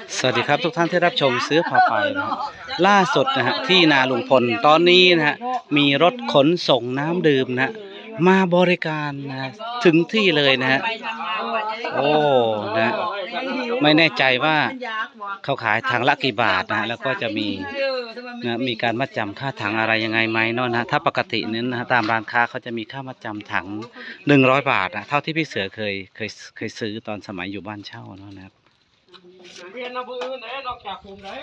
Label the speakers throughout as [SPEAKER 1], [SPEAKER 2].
[SPEAKER 1] สวัสดีครับทุกท่านที่รับชมเสื้อผ้าไปนะฮะล่าสุดนะฮะที่นาลุงพลตอนนี้นะฮะมีรถขนส่งน้ำดื่มนะฮะมาบริการนะถึงที่เลยนะฮะโอ้นะไม่แน่ใจว่าเขาขายถังละกี่บาทนะแล้วก็จะมีนะมีการมัดจำค่าถังอะไรยังไงไหมเนาะนะถ้าปกตินั้นนะตามร้านค้าเขาจะมีค่ามัดจำถัง100 บาทนะเท่าที่พี่เสือเคยซื้อตอนสมัยอยู่บ้านเช่าเนาะนะครับ
[SPEAKER 2] เรียนนะพื้นไหนนอกจากผมไหน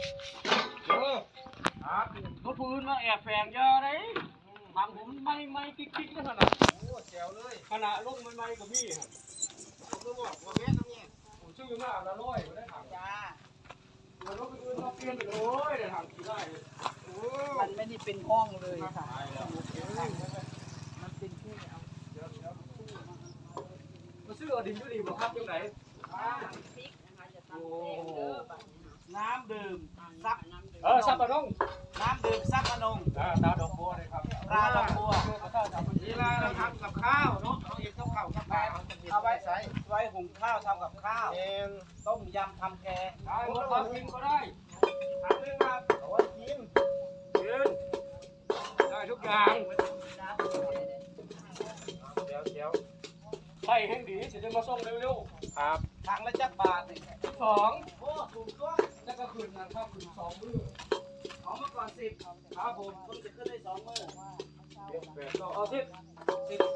[SPEAKER 2] รถพื้นมาแอบแฝงเยอะเลยบางผมไม่กิ๊กๆนะขนาดโอ้แจ๋วเลยขนาดลงไม่กับพี่ผมก็บอกว่าแม่ทำไงผมชื่อมากละร้อยไม่ได้ถามจ้ารถพื้นเราเปลี่ยนไปเลยเดี๋ยวถามกี่ได้
[SPEAKER 3] มันไม่ได้เป็นห้องเลยค่ะมันเป็นที่เอา
[SPEAKER 2] มาซื้อดินยูดีบอกครับยังไง
[SPEAKER 3] น้ำดื่มซับ
[SPEAKER 2] ซับปะน้อง
[SPEAKER 3] น้ำดื่มซับปะนง
[SPEAKER 2] ตาดอกบัวเลยครับ
[SPEAKER 3] ปลาดอกบัว
[SPEAKER 2] เวลาเราทำกับข้าวเนาะเราเองต้องข้าวกับปลา
[SPEAKER 3] เอาไว้หุงข้าวทำกับข้าวต้มยำทำแกง
[SPEAKER 2] ได้หมดความกินก็ได้ทำเลยครับเอาไว้กินได้ทุกอย่างเดี๋ยวใส่แห้งดีจะมาส่งเร็วๆครับ
[SPEAKER 3] ถังละจักบาท
[SPEAKER 2] 2โอ้ถูกต้องแล้วก็คืนนะครับคืน2 มื้อ
[SPEAKER 3] เอาเมื่อก่อน10
[SPEAKER 2] ครับผม
[SPEAKER 3] คุณจะขึ้นได้2 มื้อ
[SPEAKER 2] เอา10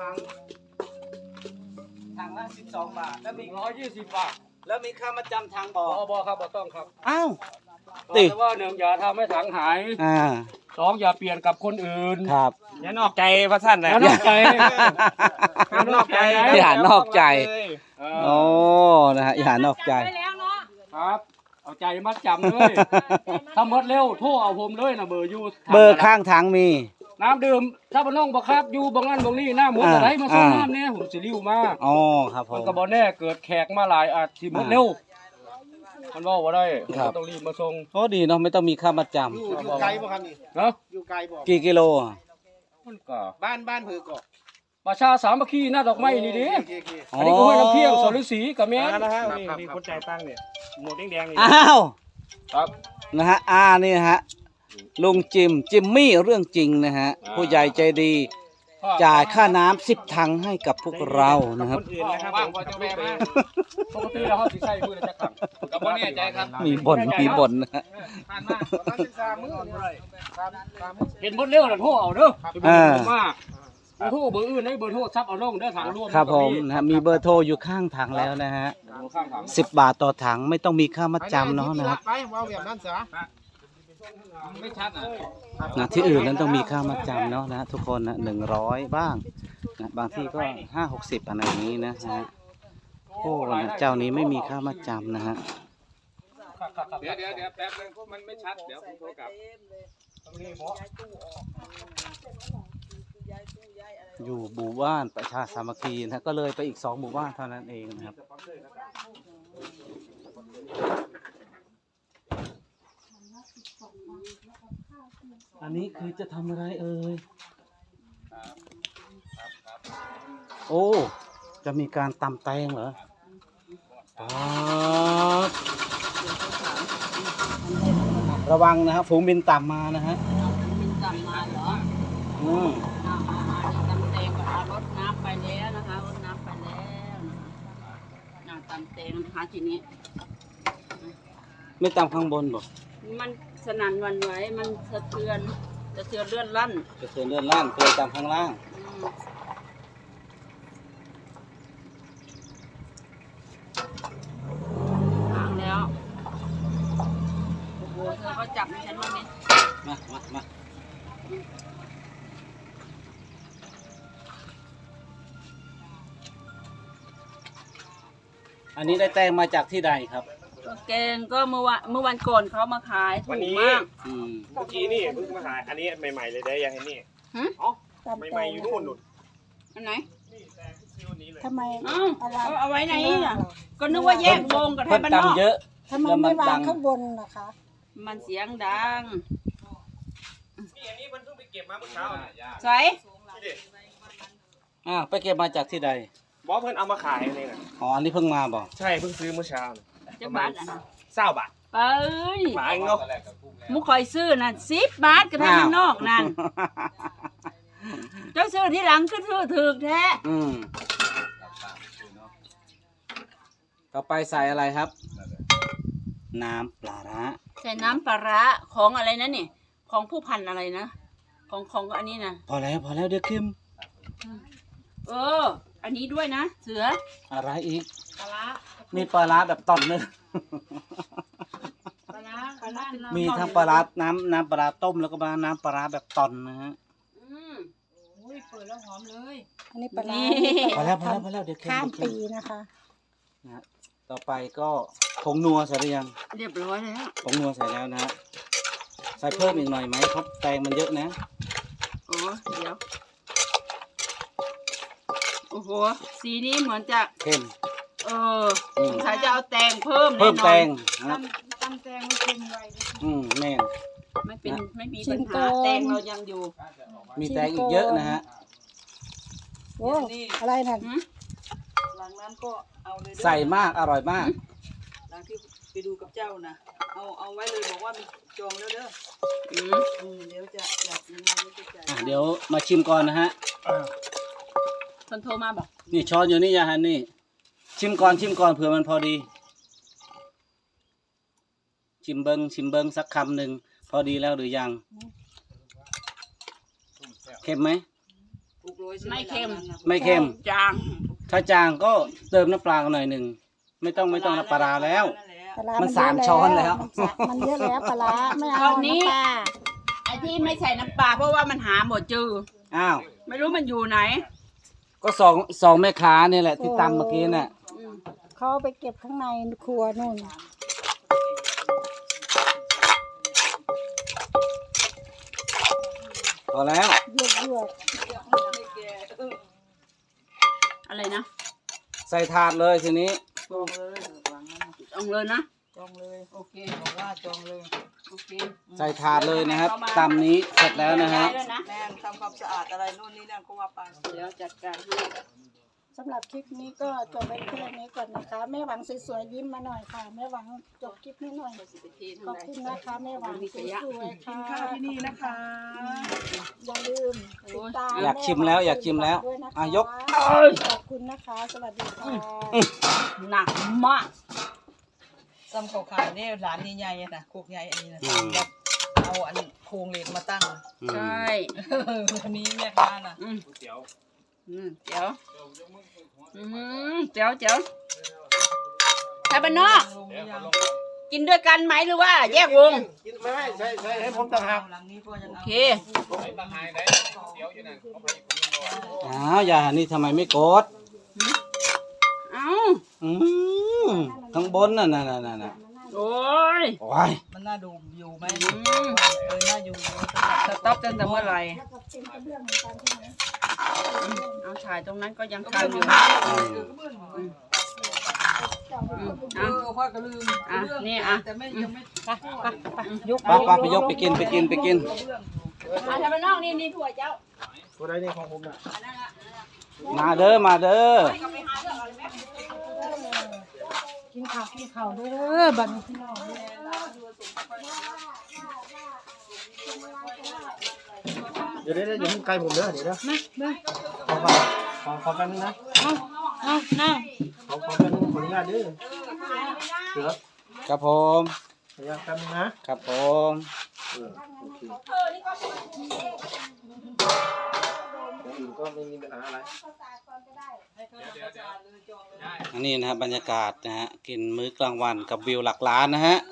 [SPEAKER 3] ถังละ12 บาทแล้วมี
[SPEAKER 2] 120 บาท
[SPEAKER 3] แล้วมีค่ามาจำทางบ่
[SPEAKER 2] อครับบ่ต้องครับ
[SPEAKER 1] อ้าว
[SPEAKER 2] ติว่า1อย่าทำให้ถังหาย2อย่าเปลี่ยนกับคนอื่น
[SPEAKER 1] ครับ
[SPEAKER 2] อย่านอกใจพระท่านนะอย่านอกใจ
[SPEAKER 1] อย่านอกใจโอ้นะฮะอย่านอกใจ
[SPEAKER 2] ครับเอาใจมัดจำเลยถ้าหมดเร็วโทรเอาผมเลยนะเบอร์อยู่
[SPEAKER 1] เบอร์ข้างทางมี
[SPEAKER 2] น้ำดื่มถ้าบ้านน้องบอกครับอยู่บางนั้นบางนี้หน้าหมดอะไรมาส่งน้ำเนี่ยผมจะริ้วมา
[SPEAKER 1] อ๋อครับผม
[SPEAKER 2] มันก็บ่แน่เกิดแขกมาหลายอาจที่หมดเร็วมันว่าได้ต้องรีบมาส่ง
[SPEAKER 1] โอ้ดีเนาะไม่ต้องมีค่ามัดจำ
[SPEAKER 3] อยู่ไกลบ่ครับนี่อยู่ไกลบ่
[SPEAKER 1] กี่กิโล
[SPEAKER 2] มันก็
[SPEAKER 3] บ้านเผือกก็
[SPEAKER 2] ประชาสามัคคีหน้าดอกไม้นี่ดิอันนี้ก็ห้วยน้ำเพียงสอนฤาษีกับแม่
[SPEAKER 3] นะฮะมีคนใจตั้งเนี่ยหมวกแดงนี่
[SPEAKER 1] อ้าว
[SPEAKER 2] ครับ
[SPEAKER 1] นะฮะนี่ฮะลุงจิมมี่เรื่องจริงนะฮะผู้ใหญ่ใจดีจ่ายค่าน้ำ10 ถังให้กับพวกเรานะครับ
[SPEAKER 2] ว่างพอจะแม่มาปกติเราเขาสิใส่มือจะขังกับพ่อแน่ใจครับ
[SPEAKER 1] มีบ่นนะฮะ
[SPEAKER 2] เห็นบนเร็วหรือโทรเอาเด้อมาโทรเบอร์อื่นให้เบอร์โทรซับเอาลงได้ถังร่วม
[SPEAKER 1] ครับผมนะมีเบอร์โทรอยู่ข้างถังแล้วนะฮะ10 บาทต่อถังไม่ต้องมีค่ามัดจำเนาะนะครับ
[SPEAKER 3] ไปเอาแบบนั้นซะ
[SPEAKER 2] ไม่ชัด
[SPEAKER 1] นะที่อื่นนั้นต้องมีค่ามัดจำเนาะนะทุกคนนะ100บ้างนะบางที่ก็50-60อะไรอย่างนี้นะฮะโอ้นะเจ้านี้ไม่มีค่ามัดจำนะฮะ
[SPEAKER 2] เดี๋ยวแป๊บนึงมันไม่ชัดเดี๋ยวผมโทรกลับ
[SPEAKER 1] อยู่หมู่บ้านประชาสามัคคีนะก็เลยไปอีก2 หมู่บ้านเท่านั้นเองนะครับอันนี้คือจะทำอะไรเอ่ยโอ้จะมีการตำแตงเหรอระวังนะครับฝูงบินต่ำมานะฮะ
[SPEAKER 3] บินต่ำมาเหรอตำแตงก็รดน้ำไปแล้วนะคะรดน้ำไปแล้วนะคะตำแตงนะคะทีนี้
[SPEAKER 1] ไม่ตำข้างบนบอก
[SPEAKER 3] มันสนั่นวันไหวมันสะเทือนเลื่อนลั่น
[SPEAKER 1] เคยตำข้างล่าง
[SPEAKER 3] แล้วโอ้โหเธอก็จับในฉันวันนี้
[SPEAKER 1] มาอันนี้ได้แตงมาจากที่ใดครับ
[SPEAKER 3] แกงก็เมื่อวันก่อนเขามาขายถูกมาก
[SPEAKER 2] เมื่อกี้นี่เพิ่งมาขายอันนี้ใหม่ๆเลยได้ยังไงนี่อ๋อใหม่ๆอยู่นู่น
[SPEAKER 3] อันไหน
[SPEAKER 4] ทำไม
[SPEAKER 3] เอาไว้ไหนอ่ะก็นึกว่าแยกวงกับไทยบ้านนอก
[SPEAKER 1] เยอะ
[SPEAKER 4] ทำไมไม่วางข้างบนล่ะคะ
[SPEAKER 3] มันเสียงดัง
[SPEAKER 2] อันนี้มันเพิ่งไปเก็บมาเมื่อเช้า
[SPEAKER 3] ใส่
[SPEAKER 1] ไปเก็บมาจากที่ใด
[SPEAKER 2] บอกเพิ่นเอามาขายนี่นะ
[SPEAKER 1] อ๋ออันนี้เพิ่งมาบอก
[SPEAKER 2] ใช่เพิ่งซื้อเมื่อเช้า
[SPEAKER 3] จะบาทอ่ะ
[SPEAKER 2] 20 บาท
[SPEAKER 3] เอ้ย
[SPEAKER 2] หมาเนาะ
[SPEAKER 3] มุกคอยซื้อนั่น10 บาทก็ได้ข้างนอกนั่นเจ้าซื้อที่หลังก็ซื้อถูกแท้
[SPEAKER 1] อืมต่อไปใส่อะไรครับ น้ำปลาร้า
[SPEAKER 3] ใส่น้ำปลาร้าของอะไรนะนี่ของผู้พันอะไรนะของอันนี้นะ
[SPEAKER 1] พอแล้วเดี๋ยวเค็ม
[SPEAKER 3] อันนี้ด้วยนะเสือ
[SPEAKER 1] อะไรอีก
[SPEAKER 3] ปลาร้า
[SPEAKER 1] มีปลาร้าแบบตอนนึง
[SPEAKER 3] ปลาร้า
[SPEAKER 1] มีทั้งปลาร้าน้ำปลาร้าต้มแล้วก็มาน้ำปลาร้าแบบตอนนะฮะ
[SPEAKER 3] อุ้ยเปิดแล้วหอมเลย
[SPEAKER 4] อันนี้ปลาร้า
[SPEAKER 1] พอแล้วเดี๋ยวเค็ม
[SPEAKER 4] ข้าม
[SPEAKER 1] เดี๋ยว
[SPEAKER 4] ปี
[SPEAKER 1] เค็ม
[SPEAKER 4] นะคะ
[SPEAKER 1] นะฮะต่อไปก็ผงนัวใส่หรือยัง
[SPEAKER 3] เรียบร้อยแล้ว
[SPEAKER 1] ผงนัวใส่แล้วนะฮะใส่เพิ่มอีกหน่อยไหมครับแตงมันเยอะนะ
[SPEAKER 3] เดี๋ยวโอ้โหสีนี้เหมือนจะ
[SPEAKER 1] เค็ม
[SPEAKER 3] สงสัยจะเอาแตงเพิ่ม
[SPEAKER 1] เพิ่มแตง
[SPEAKER 3] แน่นอน
[SPEAKER 1] นะ
[SPEAKER 3] ตำแตงมันเป็นไว
[SPEAKER 1] แม่น
[SPEAKER 3] ไม่มีปัญหาแตงเรายังอยู่
[SPEAKER 1] มีแตงอีกเยอะนะฮะ
[SPEAKER 4] โอ้อะไรนั่น
[SPEAKER 3] หลังนั้นก็เอาเลย
[SPEAKER 1] ใส่มากอร่อยมาก
[SPEAKER 3] หลังที่ไปดูกับเจ้านะเอาไว้เลยบอกว่ามีจองแล้วเด้อเดี๋ยวจะอยากยังไงเดี๋ยวจะจ่าย
[SPEAKER 1] เดี๋ยวมาชิมก่อนนะฮะ
[SPEAKER 3] คนโทรมาบอก
[SPEAKER 1] นี่ช้อนอยู่นี่ยาฮันนี่ ชิมก่อนเผื่อมันพอดี ชิมเบิงสักคำหนึ่งพอดีแล้วหรือยัง เค็มไหม
[SPEAKER 3] ไม่เค็ม
[SPEAKER 1] ไม่เค็ม
[SPEAKER 3] จาง
[SPEAKER 1] ถ้าจางก็เติมน้ำปลาหน่อยหนึ่งไม่ต้องน้ำปลาแล้ว
[SPEAKER 4] ปลาร้า
[SPEAKER 1] มัน
[SPEAKER 4] เยอะ
[SPEAKER 1] สามช้อนแล้ว
[SPEAKER 4] มันเยอะแล้วปลาร้าไม่เอาน้ำปลา
[SPEAKER 3] ไอ้ที่ไม่ใส่น้ำปลาเพราะว่ามันหาหมดจือ
[SPEAKER 1] อ้าว
[SPEAKER 3] ไม่รู้มันอยู่ไหน
[SPEAKER 1] ก็สองแม่ค้านี่แหละที่ตำเมื่อกี้น่ะ
[SPEAKER 4] เขาเอาไปเก็บข้างในครัวนู่น
[SPEAKER 1] พอแล้ว
[SPEAKER 4] เยือก
[SPEAKER 3] อะไรนะ
[SPEAKER 1] ใส่ถาดเลยทีนี้
[SPEAKER 3] จองเลยนะจองเลยโอเคบอกว่าจองเลยโอเค
[SPEAKER 1] ใส่ถาดเลยนะครับตำนี้เสร็จแล้วนะฮะ
[SPEAKER 3] แม่ทำความสะอาดอะไรนู่นนี่นั่นก็ว่าไปเดี๋ยวจัดการให้
[SPEAKER 4] สำหรับคลิปนี้ก็จบไปแค่นี้ก่อนนะคะแม่หวังสวยๆยิ้มมาหน่อยค่ะแม่หวังจบคลิปนี้หน่อยขอบคุณนะคะแม่หวังสวยๆค่ะ
[SPEAKER 3] ข้าวที่นี่นะคะ
[SPEAKER 4] อย่าลืมติดตาม
[SPEAKER 1] อยากชิมแล้วอยากชิมแล้ว
[SPEAKER 4] ด้วยนะคะ
[SPEAKER 1] อ่ะยก
[SPEAKER 4] ขอบคุณนะคะสวัสดีค่ะ
[SPEAKER 3] หนักมาก
[SPEAKER 5] ซ้ำเขาขายเนี่ยร้านใหญ่ๆนะโคกใหญ่อันนี้นะแบบเอาอันโครงเหล็กมาตั้ง
[SPEAKER 3] ใช่
[SPEAKER 5] อันนี้แม่ค้าน่ะ
[SPEAKER 2] เดี๋ยว
[SPEAKER 3] เจ๋วเจ๋วไทยบ้านนอก
[SPEAKER 5] ลงหรือยัง
[SPEAKER 3] กินด้วยกันไหมหรือว่า แยกวง
[SPEAKER 2] กินไม่ใช่ให้ผมต่างหาก
[SPEAKER 5] หลังนี้ก็ยัง
[SPEAKER 3] โอ
[SPEAKER 5] เอา
[SPEAKER 3] เค
[SPEAKER 2] ไอ้ต่างหากไหนเดี๋ยวอยู่นั่นเขาไปคนนึง
[SPEAKER 1] อ้าวอย่านี่ทำไมไม่กด
[SPEAKER 3] เอ้า
[SPEAKER 1] ข้างบนน่ะ
[SPEAKER 3] โอ้ย
[SPEAKER 1] โอ้ย
[SPEAKER 5] มันน่าดูอยู่ไหม
[SPEAKER 3] อืม
[SPEAKER 5] น่าอยู่
[SPEAKER 3] สต็อปตั้งแต่เมื่อไหร่
[SPEAKER 4] แล้วก็เป็นกระเบื้องเหมือนกันใช่ไหม
[SPEAKER 3] เอาถ่ายตรงนั้นก็ยังทันอยู่
[SPEAKER 5] เอาค่อยก็ลืม
[SPEAKER 3] นี่
[SPEAKER 5] แต่ไม่ยังไม่
[SPEAKER 4] ยก
[SPEAKER 1] ไปยกไปกิน
[SPEAKER 3] ไทยบ้านนอกนี่ถั่วเจ้า
[SPEAKER 2] ตัวใดนี่ของผมน่ะ
[SPEAKER 3] อันนั้นละ
[SPEAKER 1] มาเด้อ
[SPEAKER 3] ก็ไปหาเรื่องอะไรแม่
[SPEAKER 4] กินข้าวเด้อบัดนี้พี่น้อง
[SPEAKER 2] เดี๋ยวอย่าให้ไกลผมเด้อเดี๋ยวนะขอแป๊บนึงนะขอแป๊บนึงขออนุญาตเด้อเสือ
[SPEAKER 1] ครับผม
[SPEAKER 2] ขออนุญาตแป๊บนึงนะครับ
[SPEAKER 1] ผม
[SPEAKER 2] อื่นก็ไม่มีปัญหาอะไร
[SPEAKER 1] อันนี้นะครับบรรยากาศนะฮะกินมื้อกลางวันกับวิวหลักล้านนะฮะ